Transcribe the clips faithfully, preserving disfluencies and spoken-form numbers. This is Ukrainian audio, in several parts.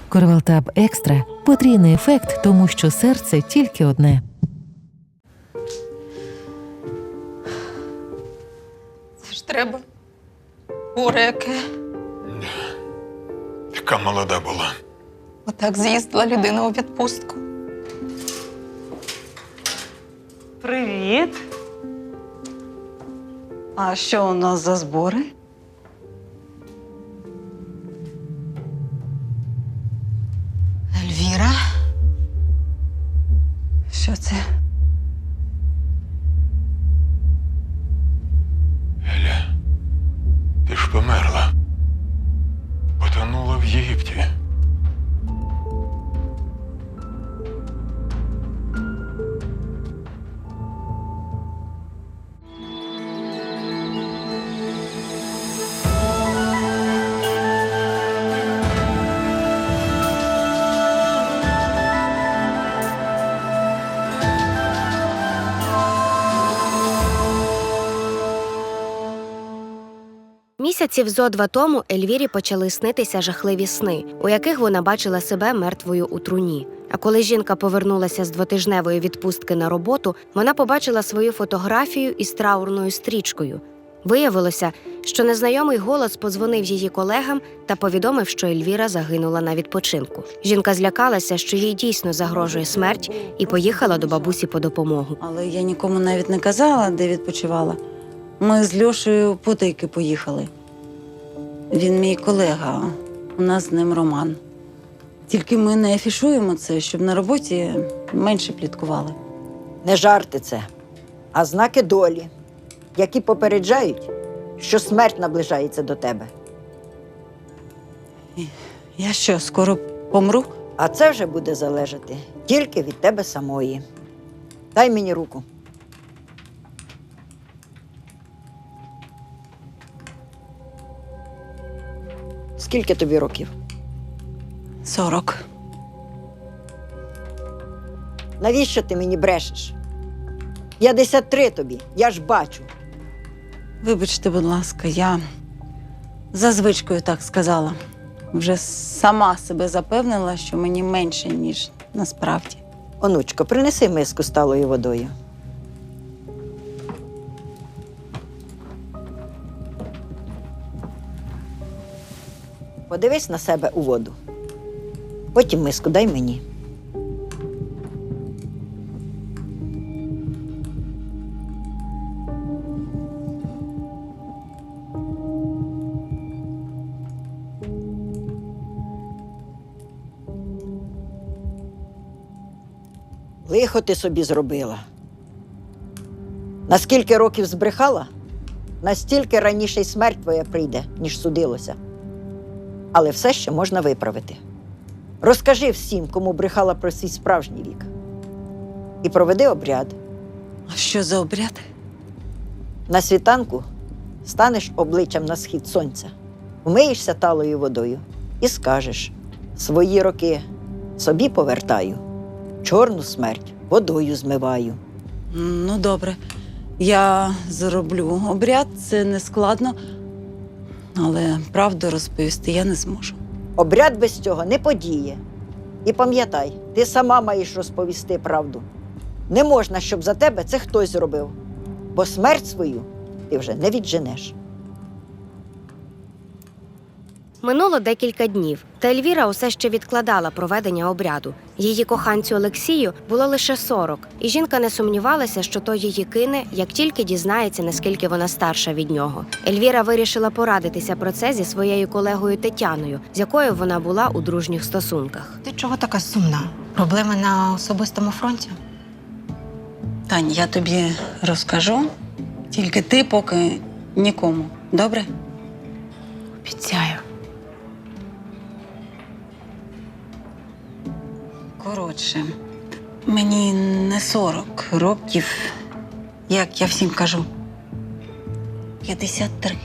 Корвалтаб Екстра – потрійний ефект, тому що серце тільки одне. Це ж треба. Горе яке. Яка молода була. Отак з'їздила людина у відпустку. Привіт. А що у нас за збори? Ельвіра? Що це? Еля, ти ж померла. Потонула в Єгипті. Місяців зо два тому Ельвірі почали снитися жахливі сни, у яких вона бачила себе мертвою у труні. А коли жінка повернулася з двотижневої відпустки на роботу, вона побачила свою фотографію із траурною стрічкою. Виявилося, що незнайомий голос подзвонив її колегам та повідомив, що Ельвіра загинула на відпочинку. Жінка злякалася, що їй дійсно загрожує смерть, і поїхала до бабусі по допомогу. Але я нікому навіть не казала, де відпочивала. Ми з Льошею потайки поїхали. Він мій колега, у нас з ним роман. Тільки ми не афішуємо це, щоб на роботі менше пліткували. Не жарти це, а знаки долі, які попереджають, що смерть наближається до тебе. Я що, скоро помру? А це вже буде залежати тільки від тебе самої. Дай мені руку. Скільки тобі років? Сорок. Навіщо ти мені брешеш? п'ятдесят три тобі, я ж бачу. Вибачте, будь ласка, я за звичкою так сказала. Вже сама себе запевнила, що мені менше, ніж насправді. Онучко, принеси миску з талою водою. Подивись на себе у воду. Потім миску дай мені. Лихо ти собі зробила. Наскільки років збрехала, настільки раніше й смерть твоя прийде, ніж судилося. Але все ще можна виправити. Розкажи всім, кому брехала про свій справжній вік. І проведи обряд. А що за обряд? На світанку станеш обличчям на схід сонця, вмиєшся талою водою і скажеш: свої роки собі повертаю, чорну смерть водою змиваю. Ну, добре. Я зроблю обряд, це не складно. Але правду розповісти я не зможу. Обряд без цього не подіє. І пам'ятай, ти сама маєш розповісти правду. Не можна, щоб за тебе це хтось зробив, бо смерть свою ти вже не відженеш. Минуло декілька днів, та Ельвіра усе ще відкладала проведення обряду. Її коханцю Олексію було лише сорок, і жінка не сумнівалася, що той її кине, як тільки дізнається, наскільки вона старша від нього. Ельвіра вирішила порадитися про це зі своєю колегою Тетяною, з якою вона була у дружніх стосунках. Ти чого така сумна? Проблеми на особистому фронті? Тань, я тобі розкажу, тільки ти поки нікому. Добре? Обіцяю. Коротше, мені не сорок років, як я всім кажу. п'ятдесят три.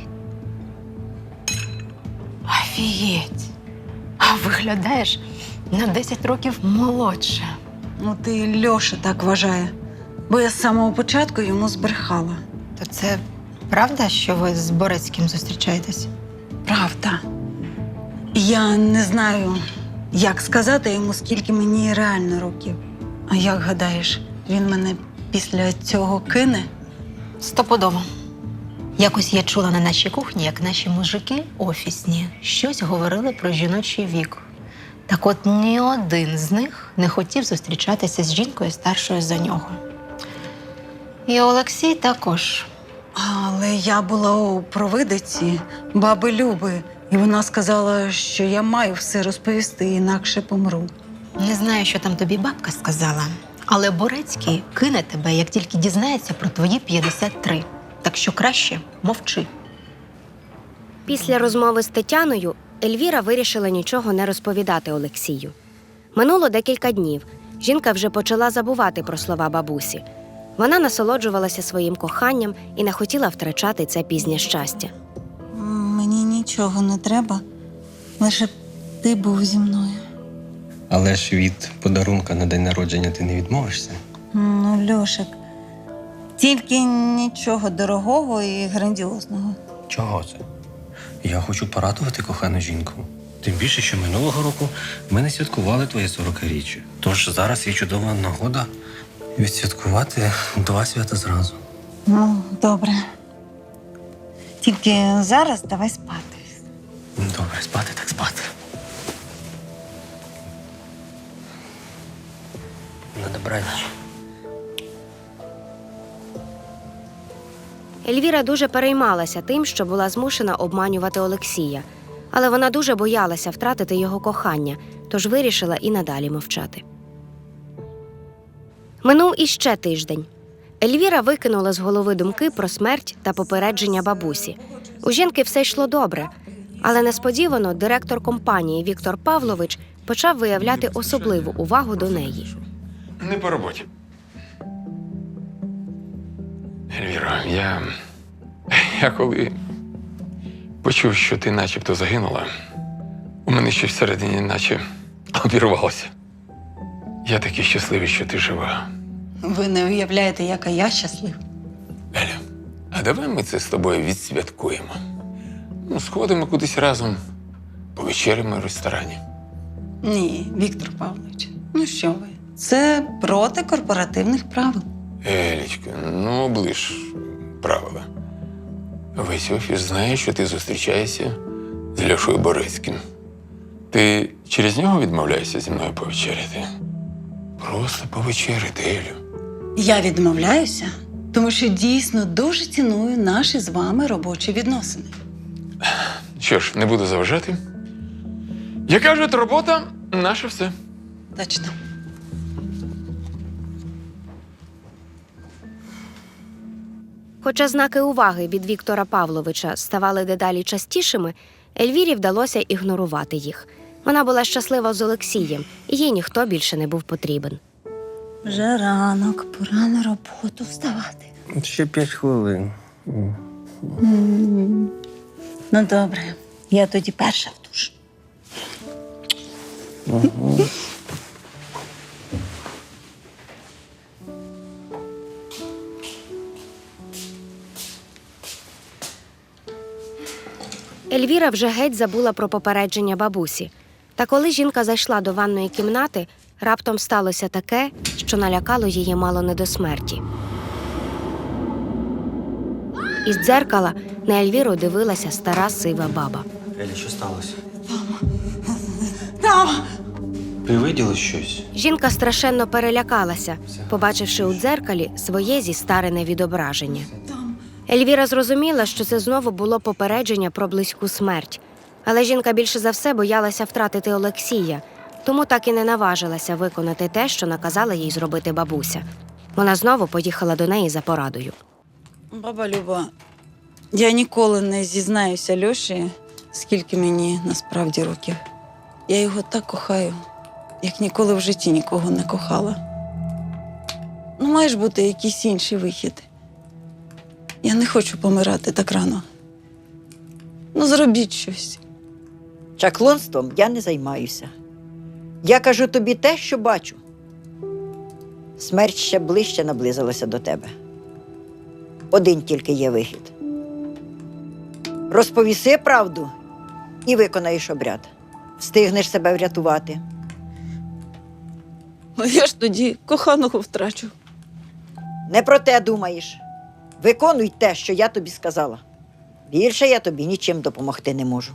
Офігеть! А виглядаєш на десять років молодше. Ну, ти Льоша так вважає, бо я з самого початку йому збрехала. То це правда, що ви з Борецьким зустрічаєтесь? Правда. Я не знаю, Як сказати йому, скільки мені реально років? А як гадаєш, він мене після цього кине? Стопудово. Якось я чула на нашій кухні, як наші мужики офісні щось говорили про жіночий вік. Так от ні один з них не хотів зустрічатися з жінкою старшою за нього. І Олексій також. Але я була у провидиці баби Люби, і вона сказала, що я маю все розповісти, інакше помру. Не знаю, що там тобі бабка сказала, але Борецький кине тебе, як тільки дізнається про твої п'ятдесят три. Так що краще мовчи. Після розмови з Тетяною Ельвіра вирішила нічого не розповідати Олексію. Минуло декілька днів. Жінка вже почала забувати про слова бабусі. Вона насолоджувалася своїм коханням і не хотіла втрачати це пізнє щастя. Мені нічого не треба, лише б ти був зі мною. Але ж від подарунка на день народження ти не відмовишся? Ну, Льошик, тільки нічого дорогого і грандіозного. Чого це? Я хочу порадувати кохану жінку. Тим більше, що минулого року ми не святкували твоє сорокаріччя. Тож зараз є чудова нагода відсвяткувати два свята зразу. Ну, добре. Тільки зараз давай спати. Добре, спати так спати. На добраніч. Ельвіра дуже переймалася тим, що була змушена обманювати Олексія. Але вона дуже боялася втратити його кохання, тож вирішила і надалі мовчати. Минув іще тиждень. Ельвіра викинула з голови думки про смерть та попередження бабусі. У жінки все йшло добре, але несподівано директор компанії Віктор Павлович почав виявляти особливу увагу до неї. Не по роботі. Ельвіро, я. Я коли почув, що ти начебто загинула, у мене щось всередині наче обірвалося. Я такий щасливий, що ти жива. Ви не уявляєте, яка я щаслива. Еля, а давай ми це з тобою відсвяткуємо. Ну, сходимо кудись разом, повечеряємо в ресторані. Ні, Віктор Павлович, ну що ви? Це проти корпоративних правил. Елічка, ну оближ правила. Весь офіс знає, що ти зустрічаєшся з Льошою Борецьким. Ти через нього відмовляєшся зі мною повечеряти? Просто повечеряти, Елю. Я відмовляюся, тому що дійсно дуже ціную наші з вами робочі відносини. Що ж, не буду заважати. Як кажуть, робота – наше все. Точно. Хоча знаки уваги від Віктора Павловича ставали дедалі частішими, Ельвірі вдалося ігнорувати їх. Вона була щаслива з Олексієм, і їй ніхто більше не був потрібен. Вже ранок, пора на роботу вставати. Ще п'ять хвилин. М. Ну, добре. Я тоді перша в душ. Ельвіра вже геть забула про попередження бабусі. Та коли жінка зайшла до ванної кімнати, раптом сталося таке, що налякало її мало не до смерті. Із дзеркала на Ельвіру дивилася стара сива баба. Елі, що сталося? Там! Ти виділа щось? Жінка страшенно перелякалася, побачивши у дзеркалі своє зістарене відображення. Ельвіра зрозуміла, що це знову було попередження про близьку смерть. Але жінка більше за все боялася втратити Олексія, тому так і не наважилася виконати те, що наказала їй зробити бабуся. Вона знову поїхала до неї за порадою. Баба Люба, я ніколи не зізнаюся Льоші, скільки мені насправді років. Я його так кохаю, як ніколи в житті нікого не кохала. Ну, має ж бути якийсь інший вихід. Я не хочу помирати так рано. Ну, зробіть щось. Чаклунством я не займаюся. Я кажу тобі те, що бачу. Смерть ще ближче наблизилася до тебе. Один тільки є вихід. Розповіси правду і виконаєш обряд. встигнеш себе врятувати. Ну я ж тоді коханого втрачу. Не про те думаєш. Виконуй те, що я тобі сказала. Більше я тобі нічим допомогти не можу.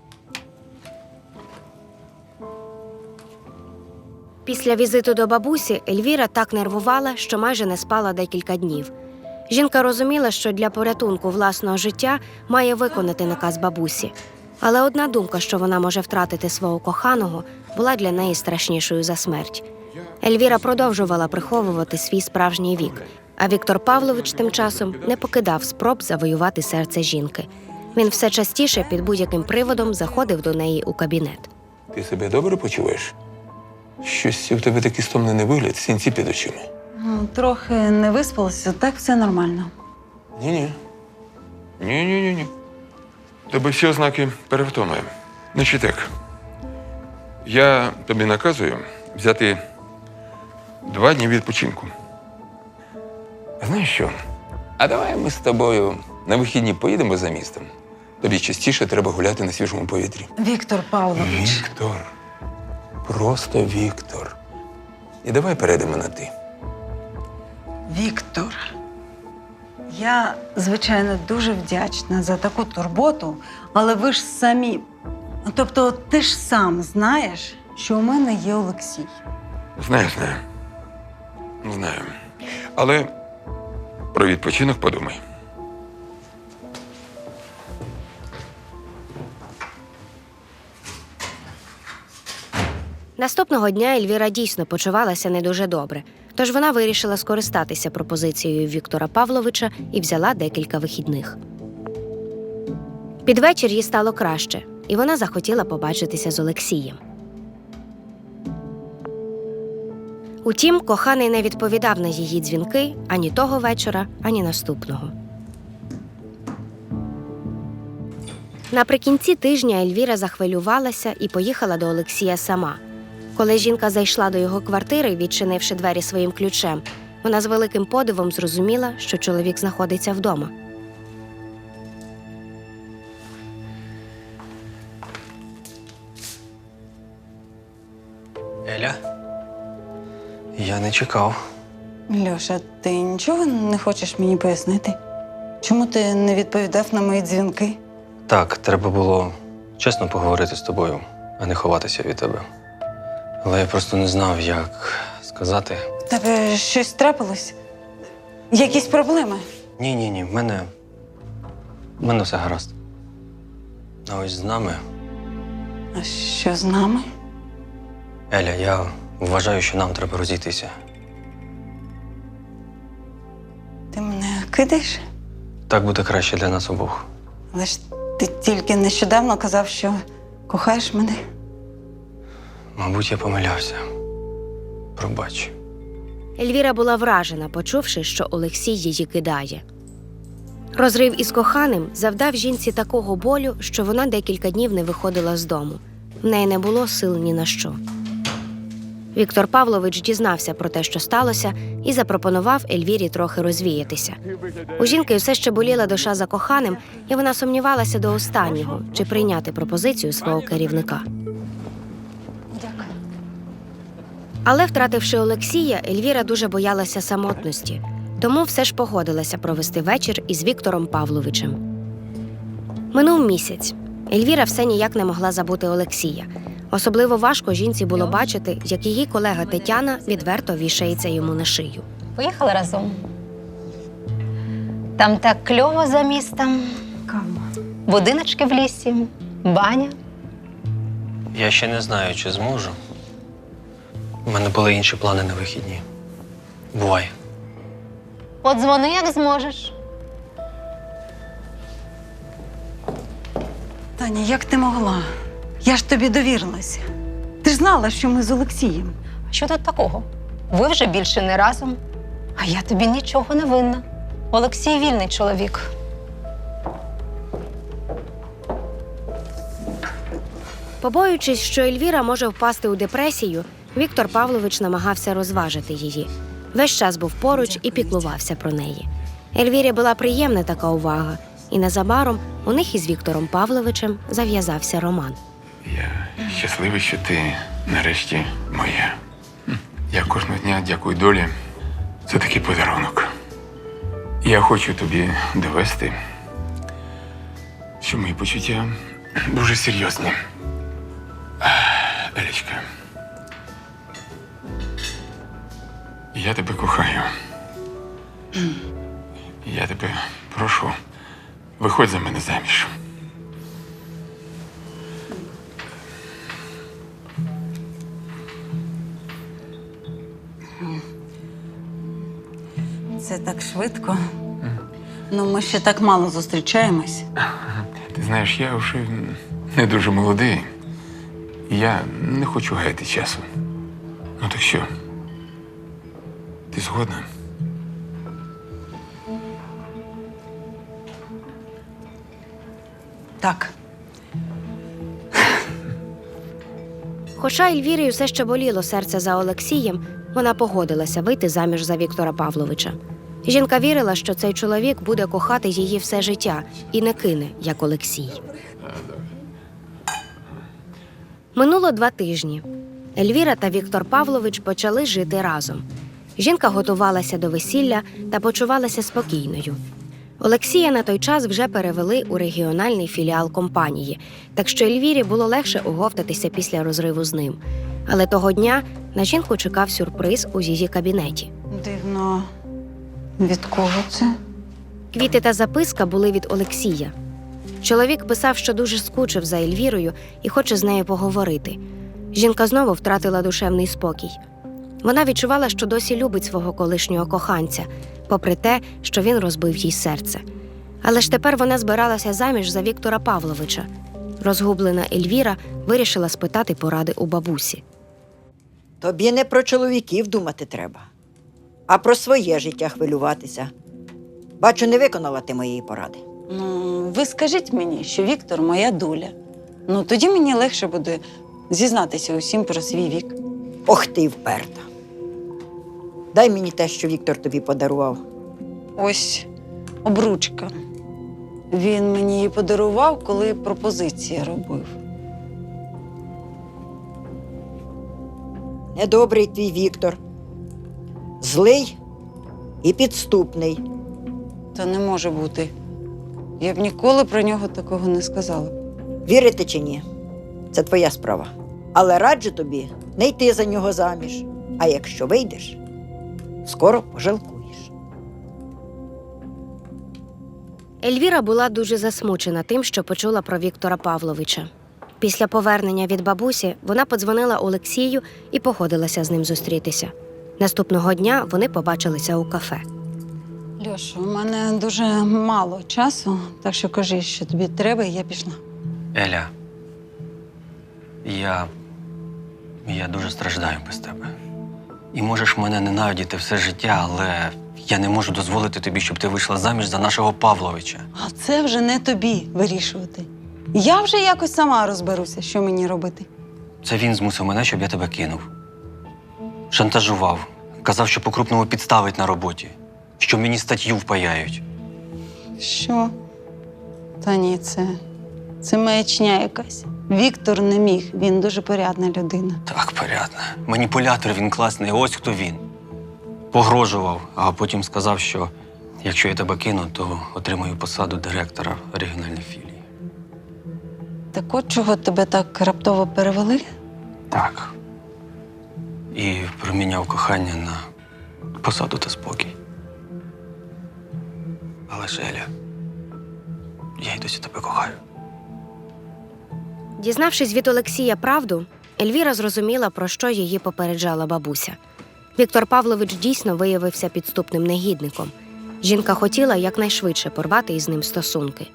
Після візиту до бабусі Ельвіра так нервувала, що майже не спала декілька днів. Жінка розуміла, що для порятунку власного життя має виконати наказ бабусі. Але одна думка, що вона може втратити свого коханого, була для неї страшнішою за смерть. Ельвіра продовжувала приховувати свій справжній вік, а Віктор Павлович тим часом не покидав спроб завоювати серце жінки. Він все частіше під будь-яким приводом заходив до неї у кабінет. Ти себе добре почуваєш? Щось у тебе такий стомлений вигляд, синці під очима. Ну, трохи не виспалася, так все нормально. Ні-ні. Ні-ні-ні. Тебе всі ознаки перевтоми. Значить так, я тобі наказую взяти два дні відпочинку. А знаєш що? А давай ми з тобою на вихідні поїдемо за містом. Тобі частіше треба гуляти на свіжому повітрі. Віктор Павлович. Віктор. Просто Віктор. І давай перейдемо на ти. Віктор. Я, звичайно, дуже вдячна за таку турботу, але ви ж самі. Тобто, ти ж сам знаєш, що у мене є Олексій. Знаю, знаю. Знаю. Але про відпочинок подумай. Наступного дня Ельвіра дійсно почувалася не дуже добре, тож вона вирішила скористатися пропозицією Віктора Павловича і взяла декілька вихідних. Під вечір їй стало краще, і вона захотіла побачитися з Олексієм. Утім, коханий не відповідав на її дзвінки ані того вечора, ані наступного. Наприкінці тижня Ельвіра захвилювалася і поїхала до Олексія сама. Коли жінка зайшла до його квартири, відчинивши двері своїм ключем, вона з великим подивом зрозуміла, що чоловік знаходиться вдома. Еля? Я не чекав. Льоша, ти нічого не хочеш мені пояснити? Чому ти не відповідав на мої дзвінки? Так, треба було чесно поговорити з тобою, а не ховатися від тебе. Але я просто не знав, як сказати. В тебе щось трапилось? Якісь проблеми? Ні-ні-ні, в мене. в мене все гаразд. А ось з нами. А що з нами? Еля, я вважаю, що нам треба розійтися. Ти мене кидаєш? Так буде краще для нас обох. Але ж ти тільки нещодавно казав, що кохаєш мене. Мабуть, я помилявся. Пробач. Ельвіра була вражена, почувши, що Олексій її кидає. Розрив із коханим завдав жінці такого болю, що вона декілька днів не виходила з дому. В неї не було сил ні на що. Віктор Павлович дізнався про те, що сталося, і запропонував Ельвірі трохи розвіятися. У жінки все ще боліла душа за коханим, і вона сумнівалася до останнього, чи прийняти пропозицію свого керівника. Але, втративши Олексія, Ельвіра дуже боялася самотності, тому все ж погодилася провести вечір із Віктором Павловичем. Минув місяць. Ельвіра все ніяк не могла забути Олексія. Особливо важко жінці було бачити, як її колега Тетяна відверто вішається йому на шию. Поїхали разом. Там так кльово за містом. Кама. Будиночки в лісі, баня. Я ще не знаю, чи зможу. У мене були інші плани на вихідні. Бувай. От дзвони, як зможеш. Таня, як ти могла? Я ж тобі довірилася. Ти ж знала, що ми з Олексієм. А що тут такого? Ви вже більше не разом, а я тобі нічого не винна. Олексій вільний чоловік. Побоюючись, що Ельвіра може впасти у депресію, Віктор Павлович намагався розважити її. Весь час був поруч і піклувався про неї. Ельвірі була приємна така увага, і незабаром у них із Віктором Павловичем зав'язався роман. Я щасливий, що ти нарешті моя. Я кожного дня дякую долі за такий подарунок. Я хочу тобі довести, що мої почуття дуже серйозні. Елічка, я тебе кохаю. Я тебе прошу, виходь за мене заміж. Це так швидко. Ну, ми ще так мало зустрічаємось. Ти знаєш, я вже не дуже молодий. І я не хочу гаяти часу. Ну так що? Ти згодна? Так. Хоча Ельвірі все ще боліло серце за Олексієм, вона погодилася вийти заміж за Віктора Павловича. Жінка вірила, що цей чоловік буде кохати її все життя і не кине, як Олексій. Минуло два тижні. Ельвіра та Віктор Павлович почали жити разом. Жінка готувалася до весілля та почувалася спокійною. Олексія на той час вже перевели у регіональний філіал компанії, так що Ельвірі було легше оговтатися після розриву з ним. Але того дня на жінку чекав сюрприз у її кабінеті. Дивно. Від кого це? Квіти та записка були від Олексія. Чоловік писав, що дуже скучив за Ельвірою і хоче з нею поговорити. Жінка знову втратила душевний спокій. Вона відчувала, що досі любить свого колишнього коханця, попри те, що він розбив їй серце. Але ж тепер вона збиралася заміж за Віктора Павловича. Розгублена Ельвіра вирішила спитати поради у бабусі. Тобі не про чоловіків думати треба, а про своє життя хвилюватися. Бачу, не виконала ти моєї поради. Ну, ви скажіть мені, що Віктор моя доля. Ну, тоді мені легше буде зізнатися усім про свій вік. Ох ти й вперта. Дай мені те, що Віктор тобі подарував. Ось обручка. Він мені її подарував, коли пропозиції робив. Недобрий твій Віктор. Злий і підступний. Та не може бути. Я б ніколи про нього такого не сказала. Вірити чи ні? Це твоя справа. Але раджу тобі не йти за нього заміж. А якщо вийдеш, скоро пожалкуєш. Ельвіра була дуже засмучена тим, що почула про Віктора Павловича. Після повернення від бабусі вона подзвонила Олексію і погодилася з ним зустрітися. Наступного дня вони побачилися у кафе. Льоша, у мене дуже мало часу, так що кажи, що тобі треба, і я пішла. Еля, я. я дуже страждаю без тебе. І можеш мене ненавидіти все життя, але я не можу дозволити тобі, щоб ти вийшла заміж за нашого Павловича. А це вже не тобі вирішувати. Я вже якось сама розберуся, що мені робити. Це він змусив мене, щоб я тебе кинув. Шантажував. Казав, що по-крупному підставить на роботі. Що мені статтю впаяють. Що? Та ні, це. Це маячня якась. Віктор не міг, він дуже порядна людина. Так, порядно. Маніпулятор він класний, ось хто він. Погрожував, а потім сказав, що якщо я тебе кину, то отримаю посаду директора регіональної філії. Так от чого тебе так раптово перевели? Так. І проміняв кохання на посаду та спокій. Але ж, Еля, я й досі тебе кохаю. Дізнавшись від Олексія правду, Ельвіра зрозуміла, про що її попереджала бабуся. Віктор Павлович дійсно виявився підступним негідником. Жінка хотіла якнайшвидше порвати із ним стосунки.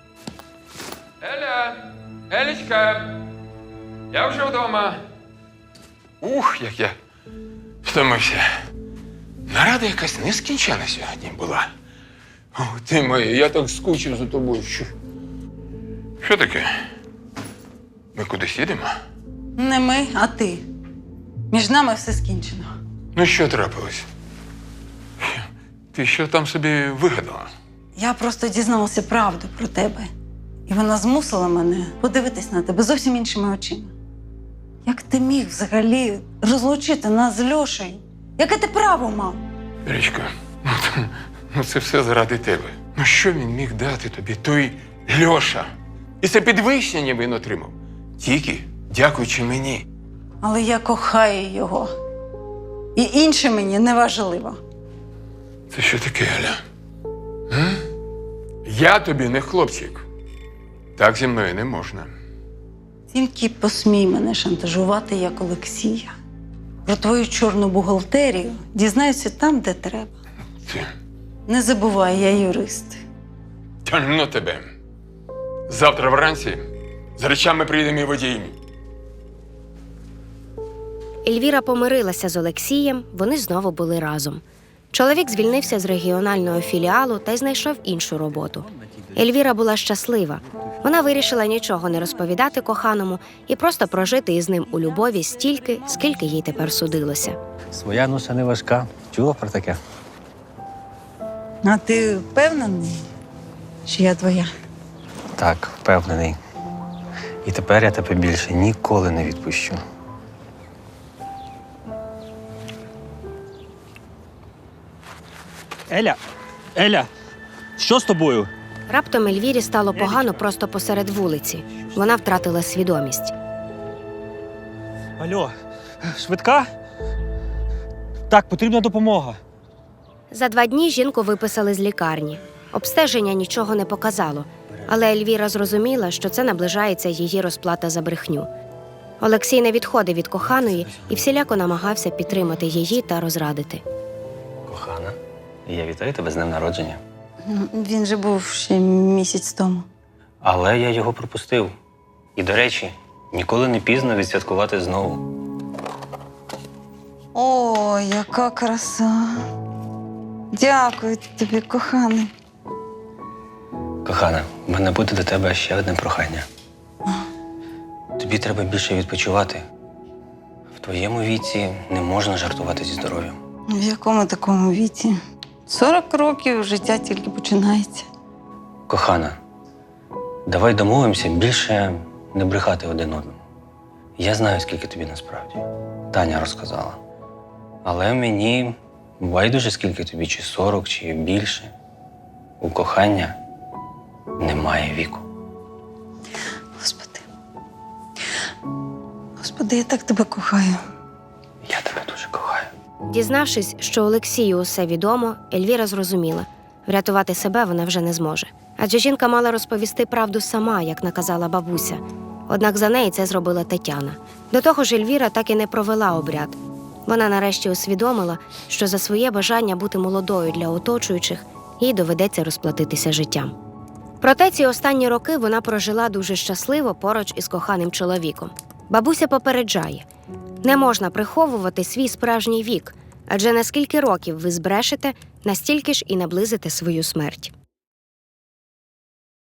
Еля! Елічка! Я вже вдома. Ух, як я втомився. Нарада якась нескінчена сьогодні була. О, ти моя, я так скучив за тобою. Що? Що таке? Ми кудись їдемо? Не ми, а ти. Між нами все скінчено. Ну, що трапилось? Ти що там собі вигадала? Я просто дізналася правду про тебе. І вона змусила мене подивитись на тебе зовсім іншими очима. Як ти міг взагалі розлучити нас з Льошею? Яке ти право мав? Річка, ну, це- ну це все заради тебе. Ну що він міг дати тобі, той Льоша? І це підвищення він отримав. Тільки дякуючи мені. Але я кохаю його. І інше мені не важливо. Це що таке, Аля? М? Я тобі не хлопчик. Так зі мною не можна. Тільки посмій мене шантажувати, як Олексія. Про твою чорну бухгалтерію дізнаюся там, де треба. Ти. Не забувай, я юрист. Та ну тебе. Завтра вранці з речами прийде мій водій. Ельвіра помирилася з Олексієм, вони знову були разом. Чоловік звільнився з регіонального філіалу та й знайшов іншу роботу. Ельвіра була щаслива. Вона вирішила нічого не розповідати коханому і просто прожити із ним у любові стільки, скільки їй тепер судилося. Своя ноша не важка. Чула про таке? А ти впевнений, що я твоя? Так, впевнений. І тепер я тебе більше ніколи не відпущу. Еля, Еля, що з тобою? Раптом Ельвірі стало погано просто посеред вулиці. Вона втратила свідомість. Алло, швидка? Так, потрібна допомога. За два дні жінку виписали з лікарні. Обстеження нічого не показало, але Ельвіра зрозуміла, що це наближається її розплата за брехню. Олексій не відходив від коханої і всіляко намагався підтримати її та розрадити. Кохана, я вітаю тебе з днем народження. Він же був ще місяць тому. Але я його пропустив. І, до речі, ніколи не пізно відсвяткувати знову. О, яка краса. Дякую тобі, коханий. Кохана, в мене буде до тебе ще одне прохання. Тобі треба більше відпочивати. В твоєму віці не можна жартувати зі здоров'ям. В якому такому віці? Сорок років життя тільки починається. Кохана, давай домовимося більше не брехати один одному. Я знаю, скільки тобі насправді. Таня розказала. Але мені байдуже, скільки тобі, чи сорок, чи більше. У кохання немає віку. Господи. Господи, я так тебе кохаю. Я тебе дуже кохаю. Дізнавшись, що Олексію усе відомо, Ельвіра зрозуміла – врятувати себе вона вже не зможе. Адже жінка мала розповісти правду сама, як наказала бабуся. Однак за неї це зробила Тетяна. До того ж, Ельвіра так і не провела обряд. Вона нарешті усвідомила, що за своє бажання бути молодою для оточуючих їй доведеться розплатитися життям. Проте ці останні роки вона прожила дуже щасливо поруч із коханим чоловіком. Бабуся попереджає – не можна приховувати свій справжній вік, адже на скільки років ви збрешете, настільки ж і наблизите свою смерть.